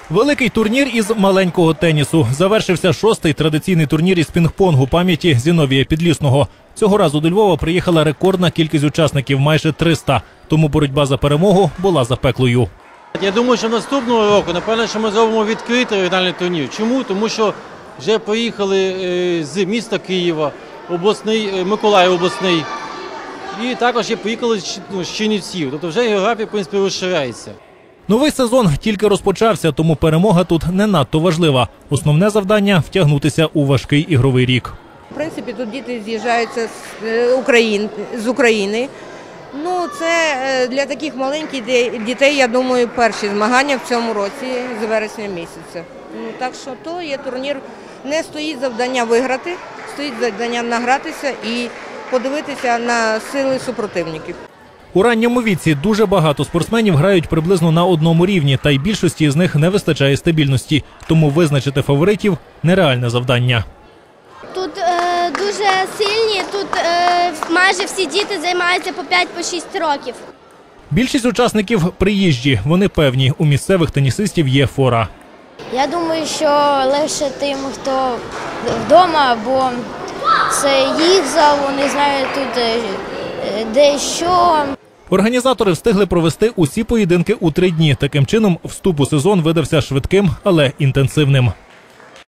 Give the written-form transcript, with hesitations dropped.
Великий турнір із маленького тенісу. Завершився 6-й традиційний турнір із пінг-понгу пам'яті Зіновія Підлісного. Цього разу до Львова приїхала рекордна кількість учасників – майже 300. Тому боротьба за перемогу була запеклою. Я думаю, що наступного року, напевно, що ми зробимо відкритий регіональний турнір. Чому? Тому що вже приїхали з міста Києва, Миколаїв обласний, і також приїхали з Чернівців. Тобто вже географія, в принципі, розширяється. Новий сезон тільки розпочався, тому перемога тут не надто важлива. Основне завдання – втягнутися у важкий ігровий рік. В принципі, тут діти з'їжджаються з України. Ну, це для таких маленьких дітей, я думаю, перші змагання в цьому році з вересня місяця. Ну, так що то є турнір, не стоїть завдання виграти, стоїть завдання награтися і подивитися на сили супротивників. У ранньому віці дуже багато спортсменів грають приблизно на одному рівні, та й більшості з них не вистачає стабільності. Тому визначити фаворитів – нереальне завдання. Тут дуже сильні, тут майже всі діти займаються по 5-6 років. Більшість учасників – приїжджі. Вони певні, у місцевих тенісистів є фора. Я думаю, що легше тим, хто вдома, бо це їх зал, вони знають тут де що. Організатори встигли провести усі поєдинки у 3 дні. Таким чином, вступ у сезон видався швидким, але інтенсивним.